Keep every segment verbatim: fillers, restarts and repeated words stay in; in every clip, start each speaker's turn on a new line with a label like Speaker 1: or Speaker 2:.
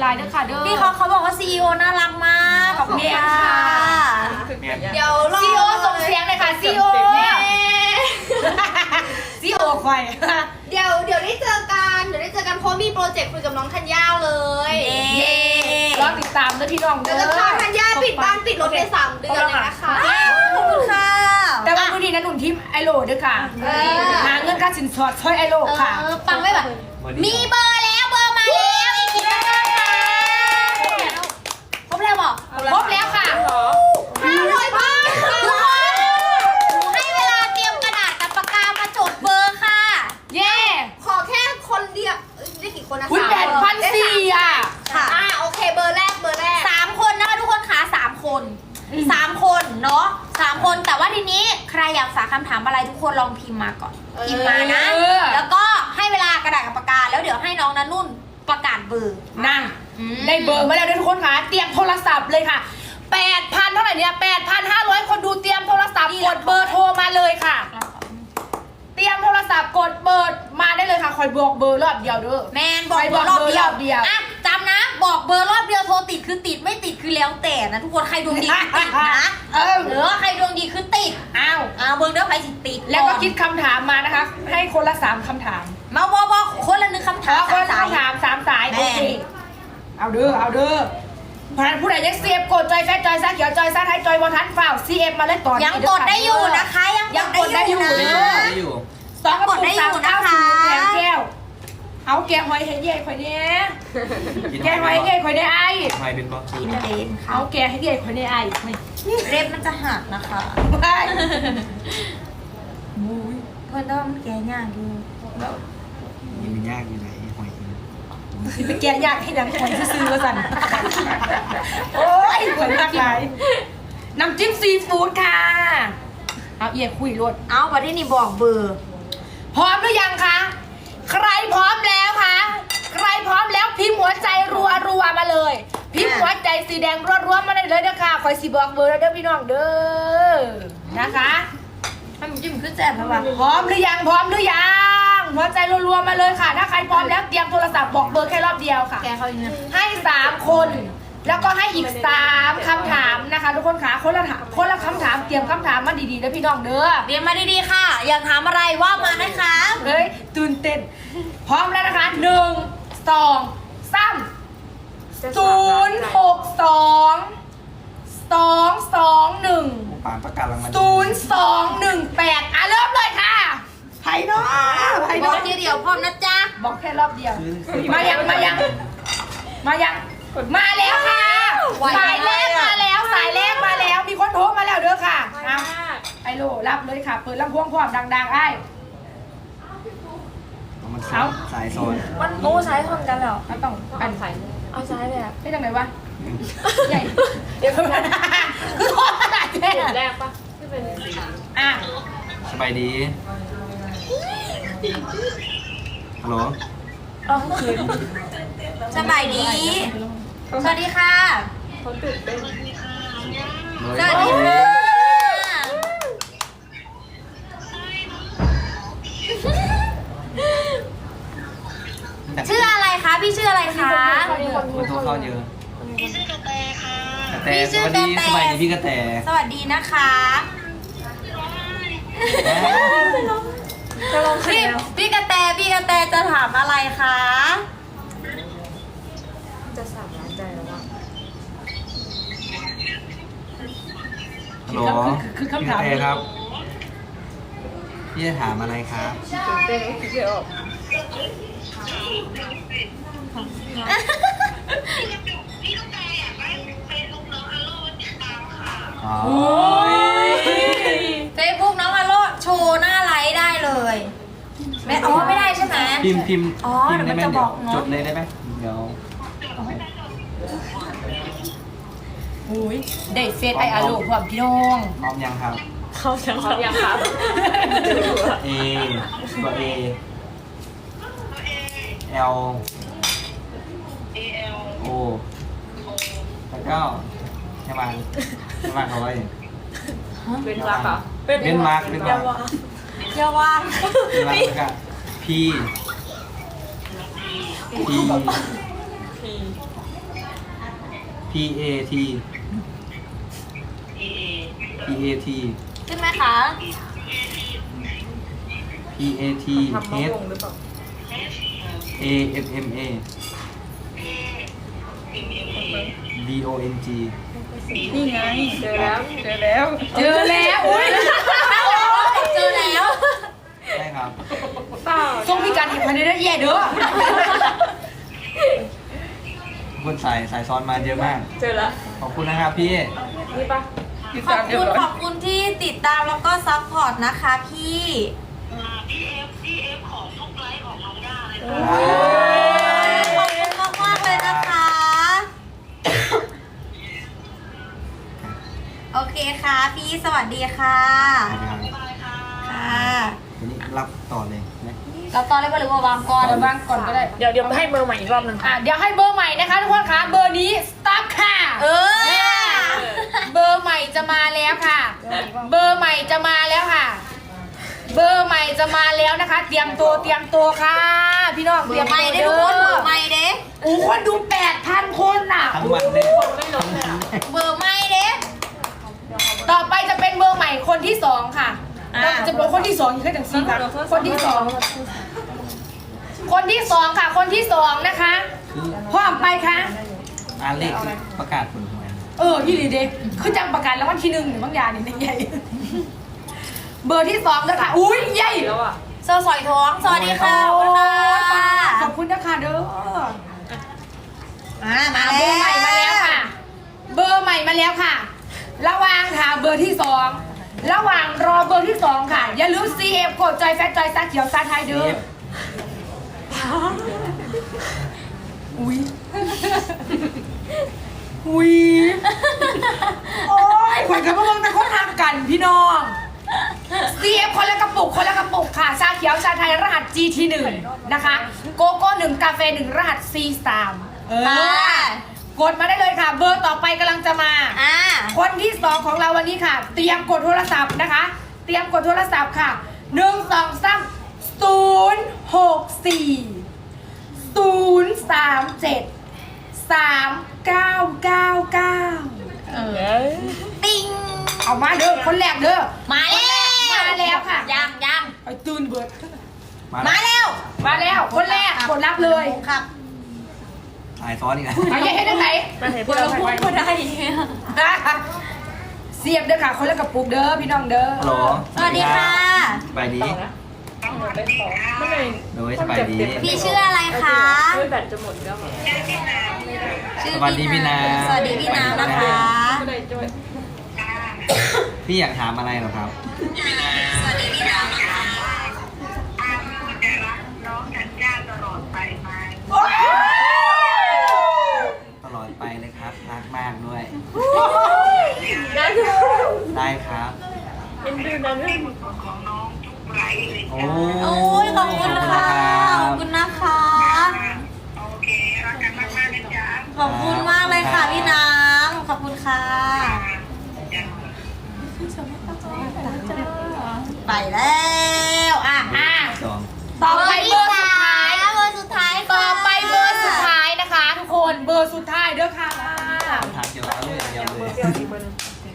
Speaker 1: ายๆด้วยค่ะเด้อ
Speaker 2: พี่เขาเขาบอกว่าซีอีโอน่ารักมากขอบคุณค่ะเดี๋ยวรอ
Speaker 1: ซีอีโอส่งเสียงเลยค่ะซีอีโอซีอีโอคอย
Speaker 3: เดี๋ยวเดี๋ยวได้เจอกันเดี๋ยวได้เจอกันเพราะมีโปรเจกต์คุยกับน้องธัญญาเลย
Speaker 1: เย้รอติดตามด้วยพี่น้อง
Speaker 3: เดี๋
Speaker 1: เด้
Speaker 3: ยวจะพา
Speaker 1: อ
Speaker 3: ธัญญาปิดบ้านปิดรถในสามเดือนเลยนะคะ
Speaker 2: ขอบคุณค่ะ
Speaker 1: แต่ว่าวันนี้นะหนุ่มทีมไอโลด้วยค่ะหาเงินค่าสินสอดช่วยไอโลค่ะ
Speaker 3: เออปังไม่แบบ
Speaker 2: มีเบอร์แล้วเบอร์มาแล้วอีกทีนึงค่ะครบแล้วบอก
Speaker 1: ครบแล้วค่ะ
Speaker 3: ห้าร้อยบาท
Speaker 2: ทุกคนหนูให้เวลาเตรียมกระดาษกับปากกามาจดเบอร์ค่ะ
Speaker 1: เย้
Speaker 3: ขอแค่คนเดียวเอ้ยได้กี่คนนะ
Speaker 1: คุณแปดพันสี่อ่ะ
Speaker 2: ค่ะ
Speaker 3: อ่าโอเคเบอร์แรกเบอร์แรก
Speaker 2: สามคนนะคะทุกคนค่ะสามคนสามคนเนาะสามคนแต่ว่าทีนี้ใครอยากฝากคำถามอะไรทุกคนลองพิมพ์มาก่อนพิมพ์มานะ แล้วก็ให้เวลากระดาษกับปากกาแล้วเดี๋ยวให้น้องนันนุ่นประกาศเบอร์
Speaker 1: นั่ง
Speaker 2: อืม
Speaker 1: ได้เบอร์มาแล้วด้วยทุกคนค่ะเตรียมโทรศัพท์เลยค่ะแปดพันเท่าไหร่เนี่ยแปดพันห้าร้อยคนดูเตรียมโทรศัพท์กดเบอร์โทรมาเลยค่ะ เตรียมโทรศัพท์กดเบอร์มาได้เลยค่ะคอยบอกเบอร์รอบเดียวเด้อ
Speaker 2: แมนบอก
Speaker 1: ใคร
Speaker 2: เบอร์รอบเดียว
Speaker 1: บอกเบอร์รอบเดียว
Speaker 2: อ่ะจำนะ บอกเบอร์รอบเดียวโทรติดคือติดไม่ติดคือแล้วแต่นะทุกคนใครดวงดีคือติดนะ
Speaker 1: เออ
Speaker 2: หรือว่าใครดวงดีคือติด
Speaker 1: อ้าว
Speaker 2: อ่าเบอร์เดียวใครสิติด
Speaker 1: แล้วก็คิดคำถามมานะคะ ให้คนละสามคำถาม
Speaker 2: มาบอกบอกคนละหนึ่งคำ
Speaker 1: ข
Speaker 2: ถา
Speaker 1: อ
Speaker 2: ม
Speaker 1: คนละ
Speaker 2: สาย
Speaker 1: คำถามสามสาย
Speaker 2: แม่
Speaker 1: โอเคเอาเด้อเอาเด้อพนันผู้ใดยังเสียบกดจอยแฟจอยซ่าเขียวจอยซ่าไทยจอยบอทันฝ่าวซีเอ็มมาเลยตอนนี้
Speaker 2: ยังกดได้อยู่นะคะ ยัง
Speaker 1: ยังกดได้อยู่
Speaker 2: นะ
Speaker 1: เด้อ
Speaker 4: ได้อยู่
Speaker 1: สองกระปุก
Speaker 2: กดได้อ
Speaker 1: สาม
Speaker 2: ยู่
Speaker 1: เก้า
Speaker 2: นะคะ
Speaker 1: ศูนย์แถมแก้วเอาแกงหอยเฮดเย่ข่อยเนี้ยแกงหอยเฮดเย่ข่อยได้ไอ้
Speaker 4: ทำไมเป็นบล็อก
Speaker 2: อินเดนค่ะ
Speaker 1: เอาแกงเฮดเย่ข่อยได้ไอ้ไม่
Speaker 2: เล็บมันจะหักนะคะ
Speaker 1: ไม่
Speaker 2: มุ้ยเพื่อนต้องแกย่างดู
Speaker 4: ยังมียากอยู่ไหนหอย
Speaker 1: สิไปแกงยากให้ดังข่อยซื้อๆว่าสั่นโอ้ยข่อยมากหลายน้ำจิ้มซีฟู้ดค่ะเอาเอียคุยรวด
Speaker 2: เอาวันที่นี่บอกเบอร์
Speaker 1: พร้อมหรือยังคะ ใครพร้อมแล้วคะ ใครพร้อมแล้วพิมพ์หัวใจรัวรัวๆมาเลย พิมพ์หัวใจสีแดงรัวรัวๆมาได้เลยนะคะคอยสีบอกเบอร์แล้วเด้อพี่น้องเด้อ นะคะ
Speaker 2: ให้มันจิ้มขึ้นแซ่บไหมวะ
Speaker 1: พร้อมหรือยัง พร้อมหรือยัง หัวใจรัวๆมาเลยค่ะ ถ้าใครพร้อมแล้วเตรียมโทรศัพท์บอกเบอร์แค่รอบเดียวค่ะ
Speaker 2: แกเขาอย่างนี้
Speaker 1: ให้สามคน แล้วก็ให้อีกสามคำถามนะคะ ทุกคนค่ะคนละถามคนละคำถามเตรียมคำถามมาดีๆนะพี่น้องเด้อ
Speaker 2: เรียนมาดีๆค่ะ อยากถามอะไรว่ามานะคะ
Speaker 1: เฮ้ยตื่นเต้นพร้อมแล้วนะคะหนึ่งสองสามศูนย์หกสองสองสองหนึ่ง
Speaker 4: ปานประกาศรางวัล
Speaker 1: ศูนย์สองหนึ่งแปดอ่ะเริ่มเลยค่ะไผ่น้อไผ่
Speaker 2: บ
Speaker 1: น้
Speaker 2: อ
Speaker 1: อก
Speaker 2: ทีเดียวพร้อมนะจ๊ะ
Speaker 1: บอกแค่รอบเดียว มายังมายังมายังมาแล้วค่ะสายแรกมาแล้วสายแรกมาแล้วมีคนโทรมาแล้วเด้อค่ะเอาไอโลรับเลยค่ะเปิดลำโพงพร้อมดังๆไอ้
Speaker 4: มัน
Speaker 1: เอา
Speaker 4: สายโซน
Speaker 2: มันโอ้ใช้ทนกันแล้ว
Speaker 1: ไม่ต้องอัน
Speaker 2: เอาใช้เลยอะ
Speaker 1: ไม่ทำไงวะใหญ่เดี๋ยวคือโทษขนาดนี้
Speaker 5: แรกปะที่เป็นสี
Speaker 1: อ่ะ
Speaker 4: สบายดีฮัลโหล
Speaker 2: สบายดี สวัสดีค่ะ
Speaker 5: เขาตื่นเต้น
Speaker 2: สวัสดีค่ะ ชื่ออะไรคะ พี่ชื่ออะไรคะ
Speaker 4: คนโทรเข้าเยอะ
Speaker 3: พี่ชื่อกระแตค่ะ
Speaker 4: กระแต
Speaker 2: พี่
Speaker 4: ส
Speaker 2: ชื่อ
Speaker 4: วัสดี
Speaker 2: กระแต
Speaker 4: สบายดีพี่กระแต
Speaker 2: สวัสดีนะคะ
Speaker 5: จะลอง
Speaker 2: พี่พี่กระแตพี่กระแตจะถามอะไรคะ
Speaker 5: จะสามล้านใจแล้วว่า
Speaker 4: ฮัลโหลพี่กระแตครับ พี่จะถามอะไรครับ
Speaker 5: ตื่นเต้นก็คิดไม่ออก
Speaker 4: อ๋อ
Speaker 2: เฟซบุ๊กน้องอาโลโชว์หน้าไลฟ์ได้เลยไม่อ๋อไม่ได้ใช่ไหม
Speaker 4: พิมพ์พิมพ์
Speaker 2: อ๋อ
Speaker 4: พิมพ์ได้ไหม
Speaker 2: เดี๋ยวมันจะบอก
Speaker 4: เดี๋ยว
Speaker 2: เนอะ
Speaker 4: จดเลยได้ไหมเดี๋ยว
Speaker 1: อุ้ยได้เฟซไออาโลพร้อมพี่น้อง
Speaker 4: พร้อมยังครับ
Speaker 5: เขาจะพร้อมยังครับ
Speaker 4: A ตัว A L O แล้วก็ใช่ไหมใช่ไหมเขาไว้
Speaker 5: เป็นรักเหรอ
Speaker 4: เป็นมาร์กเป็นมาร์ก
Speaker 2: เยาว่าง
Speaker 4: เป็นมาร์กแล้วก็ P P
Speaker 5: พี
Speaker 4: P P A T P A T
Speaker 2: ขึ้นไหมคะ
Speaker 4: P A T
Speaker 5: ทำมะ
Speaker 4: H
Speaker 5: ม่วงหรือเปล่า
Speaker 4: A M M A D O N G
Speaker 5: นี่ไง เจอแล้ว เจอแล้ว
Speaker 1: เจอแล้วอุ้ย
Speaker 2: เจอแล้ว
Speaker 4: ใช่ครับ
Speaker 5: เปล่า
Speaker 1: ส่งพี่การเห็นภายในได้แย่เด้อ
Speaker 4: คนสายสายซ้อนมาเยอะมาก
Speaker 5: เจอแล้ว
Speaker 4: ขอบคุณนะครับพี่
Speaker 5: นี่ปะ
Speaker 2: ขอบคุณขอบคุณที่ติดตามแล้วก็ซัพพอร์ตนะคะพี่
Speaker 6: พี่เอฟพี่เอฟขอทุกไลฟ์ของน้องย่าเลย
Speaker 2: ขอบคุณมากมากๆเลยนะคะ โอเคค่ะพี่สวัสดีค่ะ ค่ะ
Speaker 4: วันนี้รับต่อเลยนะ
Speaker 2: เราตอนแรกก็เลยว่าวางก่อน
Speaker 1: เดี๋ยววางก่อนก็ได้
Speaker 5: เดี๋ยวเดี๋ยวให้เบอร์ใหม่อีกรอบหนึง
Speaker 1: อ่ะเดี๋ยวให้เบอร์ใหม่นะคะทุกคนคะเบอร์นี้สต็อปค่ะ
Speaker 2: เออ
Speaker 1: เบอร์ใหม่จะมาแล้วค่ะ เบอร์ใหม่จะมาแล้วค่ะ เบอร์ใหม่จะมาแล้วนะคะ เตรียมตัวเตรียมตัวค่ะ พี่น้อง
Speaker 2: เบ
Speaker 1: เต
Speaker 2: อ
Speaker 1: รียม
Speaker 2: ร์ไม่
Speaker 1: ตัว
Speaker 2: ได้ทุกคนเบอร์ไม่เด้
Speaker 1: โอ้คนดูแปดพันคนน่ะ
Speaker 4: ทั้งวันเลย
Speaker 5: ไม่ลงเลยอ่ะ
Speaker 2: เบอร์ไม่เด้
Speaker 1: ต่อไปจะเป็นเบอร์ใหม่คนที่สองค่ะ
Speaker 2: อ่า
Speaker 1: เราจะเป็นคนที่สองอยู่แค่จังสี่ค่ะคนที่สองคนที่สองค่ะ คนที่สองนะคะพร้อมไปค่ะ
Speaker 4: อ่านเลขประกาศผลหวย
Speaker 1: เออพี่ลีเด็กคือจังประกันแล้ววันที่หนึ่งหรือบางอย่างนี่ใหญ่ เบอร์ที่สองเลยค่ะ อุ้ยใหญ่
Speaker 5: แล้วอ่ะ
Speaker 2: เซอร์สอยท้อง สวัสดีค่ะขอบ
Speaker 1: โอ้
Speaker 2: คุณ
Speaker 1: ย
Speaker 2: ค่ะ
Speaker 1: ขอบคุณนะคะเด้อ
Speaker 2: อ่ามา
Speaker 1: อ่ะเบอร์ใหม่มาแล้วค่ะ เบอร์ใหม่มาแล้วค่ะ ระหว่างค่ะเบอร์ที่สองระหว่างรอเบอร์ที่สองค่ะ อย่าลืม ซี เอฟ กดจอยแฟตจอยซาเขียวซาไทยเด้อ
Speaker 4: CF
Speaker 1: อุ้ยอุ้ยโอ้ยขวัญกับพวกมึงเป็นคนทางกันพี่น้อง ซี เอฟ คนละกระปุกคนละกระปุกค่ะชาเขียวชาไทยรหัส จี ที หนึ่ง นะคะโกโก้หนึ่งกาแฟหนึ่งรหัส ซี สาม เออ
Speaker 2: ค่ะ
Speaker 1: กดมาได้เลยค่ะ เบอร์ต่อไปกำลังจะมา
Speaker 2: อ่า
Speaker 1: คนที่สองของเราวันนี้ค่ะ เตรียมกดโทรศัพท์นะคะ เตรียมกดโทรศัพท์ค่ะหนึ่งสองสามศูนย์หกสี่ศูนย์สามเจ็ดสามเก้าเก้าเก้า
Speaker 5: เออ
Speaker 2: ติง
Speaker 1: เอามาเด้อคนแรกเด้อ
Speaker 2: มาแล้ว
Speaker 1: มาแล้วค่ะ
Speaker 2: ยังยัง
Speaker 1: ไอ้ตื่นเบิด
Speaker 2: มาแล้ว
Speaker 1: มาแล้วคนแรกกดรับเลย
Speaker 2: ครับ
Speaker 4: สายซ้อนอีกแล้ว
Speaker 1: ไปยังให้ได้ไหน
Speaker 5: มาเห็นเพื่อนเราไป
Speaker 2: ก็ได้
Speaker 1: เสียบเด้อค่ะคนละกระปุกเด้อพี่น้องเด้อ
Speaker 4: ฮัลโหล
Speaker 2: สวัสดีค่ะ
Speaker 4: สบายดี
Speaker 5: ต่อนะไปต่อไม่เลย
Speaker 4: โดยสบายดี
Speaker 2: พี่ชื่ออะไรคะ
Speaker 5: เฮ้ยแบตจะหมดแล้วเหรอ
Speaker 2: ชื่อ
Speaker 4: สวัสดีพี่น้ำ
Speaker 2: สวัสดีพี่น้ำนะคะ
Speaker 5: ไม่ได้จ้วย
Speaker 4: พี่อยากถามอะไรเหรอครับ
Speaker 2: สวัสดีพี่น้ำนะคะ
Speaker 6: จะรักน้องธัญญาตลอดไปไหม
Speaker 4: ตลอดไปเลยครับ รักมากด้วย
Speaker 5: นั่น
Speaker 4: ได้ครับ
Speaker 5: เอ็นดูนั่น
Speaker 6: ของน้องทุกไลฟ์เลย
Speaker 4: โอ้
Speaker 2: โอ้ยขอบคุณค่ะขอบคุณนะคะ
Speaker 6: โอเครักกันมากๆนะจ๊ะ
Speaker 2: ขอบคุณมากเลยค่ะพี่น้ำขอบคุณค่ะ ไปแล้วอ่ะ
Speaker 1: อ่ะ
Speaker 4: สอง
Speaker 1: ต่อไปเบอร์สุดท้าย
Speaker 2: เบอร์สุดท้ายค่ะ
Speaker 1: ต่อไปเบอร์สุดท้ายนะคะ ทุกคนเบอร์สุดท้ายเด้อค่ะ
Speaker 4: ถามเกี่ยวกับเรื่องเดียวเลย
Speaker 5: เดี๋ยวอีกเบอร์หนึง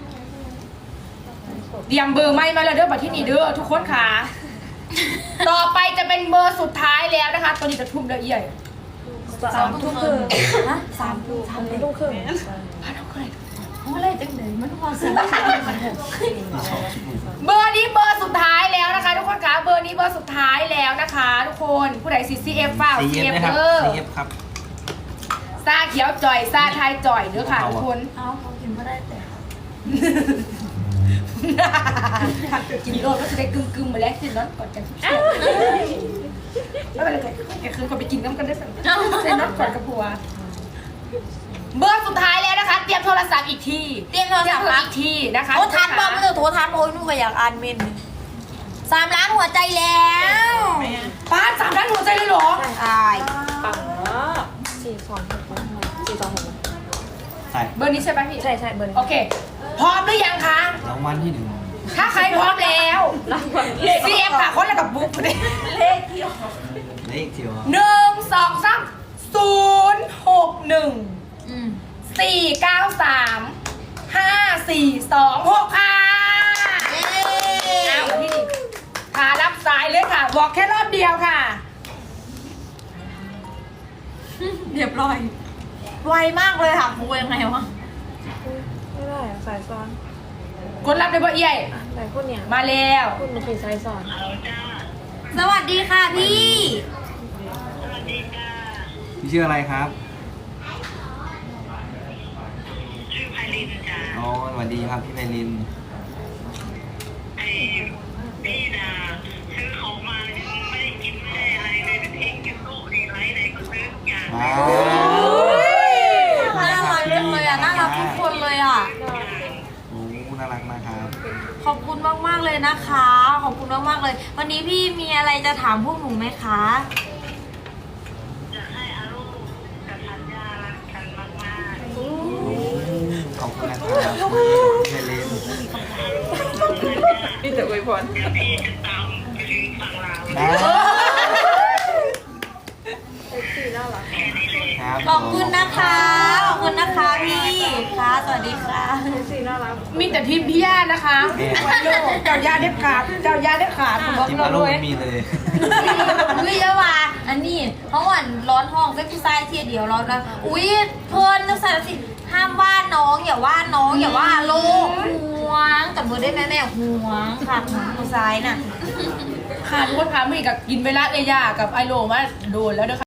Speaker 1: เตรียมเบอร์ไม่มาแล้วเด้อบัดที่นี่เด้อทุกคนค่ะ ต่อไปจะเป็นเบอร์สุดท้ายแล้วนะคะ ตัวนี้จะทุ่มเด้อเอี่ย
Speaker 5: สามทุ่มครึ่ง
Speaker 2: ฮะสามทุ่ม
Speaker 5: สามทุ่มครึ่ง
Speaker 1: พันเอาเลย
Speaker 2: เพราะอะไรจังเลยมันพอซื้อ
Speaker 1: เบอร์นี้เบอร์สุดท้ายแล้วนะคะ ทุกคนค่ะเบอร์นี้เบอร์สุดท้ายแล้วนะคะ ทุกคนผู้ใดซีซีเอฟเปล่า
Speaker 4: ซี
Speaker 1: ซี
Speaker 4: เอ
Speaker 1: เอ
Speaker 4: ฟ
Speaker 1: ฟ
Speaker 4: นะครับ
Speaker 1: เด้อ
Speaker 4: ซีเอฟครับ
Speaker 1: ซาเขียวจ่อยซาไทยจ่อยเด้อค่ะทุกคน
Speaker 2: เอาเขากินไม่ได้แต่
Speaker 1: ถ้าเกิดกินโลดก็จะได้กึ่มกึ่มๆมาแล้วกินน็อตก่อนกันแล้วไปเลยแกคืนก็ไปกินน้ำกันได้สั่งเซนน็อตก่อนกับผัวเบอร์สุดท้ายแล้วนะคะ เตรียมโทรศัพท์อีกที
Speaker 2: เตรียมโทรศัพท์
Speaker 1: อีกทีนะคะ
Speaker 2: โทรทันบอกไม่ต้องโทรทันโอ้ยนุ่งก็อยากอ่านเมนสามล้านหัวใจแล้ว
Speaker 1: ป้าสามด้านหัวใจเลยเหรอ
Speaker 2: ตาย
Speaker 5: ปังมากสี่สองหกสี่สองหก
Speaker 4: ใส่
Speaker 1: เบอร์นี้ใช่ไหมพี่
Speaker 5: ใช่ใช่เบอร์นี้
Speaker 1: โอเค พร้อมหรือยังคะ
Speaker 4: รางวัลที่หนึ่ง
Speaker 1: ถ้าใครพร้อมแล้ว
Speaker 5: รางวัล
Speaker 1: ซีเอฟค่ะคนละกับบุ๊กเลย
Speaker 4: เลขเดียว
Speaker 1: หนึ่งสองสามศูนย์หกหนึ่ง
Speaker 2: อืม
Speaker 1: สี่เก้า
Speaker 2: เรียบร้อย ไวมากเลยค่ะมูยังไงวะ
Speaker 5: ไม่ได้อะสายซ้อน
Speaker 1: คนรับได้บ่เอี่ย
Speaker 5: อ่ะแต่คุณเนี่ย
Speaker 1: มาแล้ว
Speaker 5: คุณมันคือสายซ้อน
Speaker 2: สวัสดีค่ะพี่
Speaker 4: พี่ชื่ออะไรครับ
Speaker 6: ชื่อไพลินจ้า
Speaker 4: อ๋อสวัสดีครับพี่ไพลิน
Speaker 6: ไอพี่นะซื้อของมายังไม่ได้กินไม่ได้อะไรเลยเป็นเองกินโลกดีไรไหนก็ซื้อทุกอย่าง
Speaker 4: ว้าว
Speaker 2: น่ารักจังเลยอ่ะ น่ารักทุกคนเลยอ่ะ
Speaker 4: โอ้น่ารักมากครับ
Speaker 2: ขอบคุณมากๆเลยนะคะ ขอบคุณมากๆเลย วันนี้พี่มีอะไรจะถามพวกหนูไหมคะ
Speaker 6: อยากให้อารุกับธัญญารักกันมากๆ
Speaker 4: ขอบคุณนะครับพี่ไพลิน
Speaker 5: มีแต่อวยพร
Speaker 6: เดี๋ยวพี่จะตามไปถึงฝั่งลาว
Speaker 4: ได้
Speaker 5: เซ็กซี่น่ารัก
Speaker 6: แค่นี้เลย
Speaker 4: ครับ
Speaker 2: ขอบคุณนะคะ ขอบคุณนะคะพี่ค่ะ สวัสดีค่ะ
Speaker 5: เซ็กซี่น่ารัก
Speaker 1: มีแต่ทีมพี่ย่านะคะวันโลกเจ้าย่าได้ขาดเจ้าย่าได้ขาดบอก
Speaker 4: จิม
Speaker 1: เรา
Speaker 4: อารุ
Speaker 1: ด้วย
Speaker 4: ไม่มีเลย
Speaker 2: อุ้ยเยอะว่ะอันนี้เพราะวันร้อนห้องเซ็กซี่ไซส์เทียเดียวเรานะอุ้ยเพิ่นนักสารสิห้ามว่าน้องอย่าว่าน้องอย่าว่าโลกห่วงจับมือได้ไหมแม่ห่วงค่ะมือซ้ายน่ะ
Speaker 1: ขาดคนขาไม่กับกินเวลาเอย่ากับไอโลมาโดนแล้วเด้อค่ะ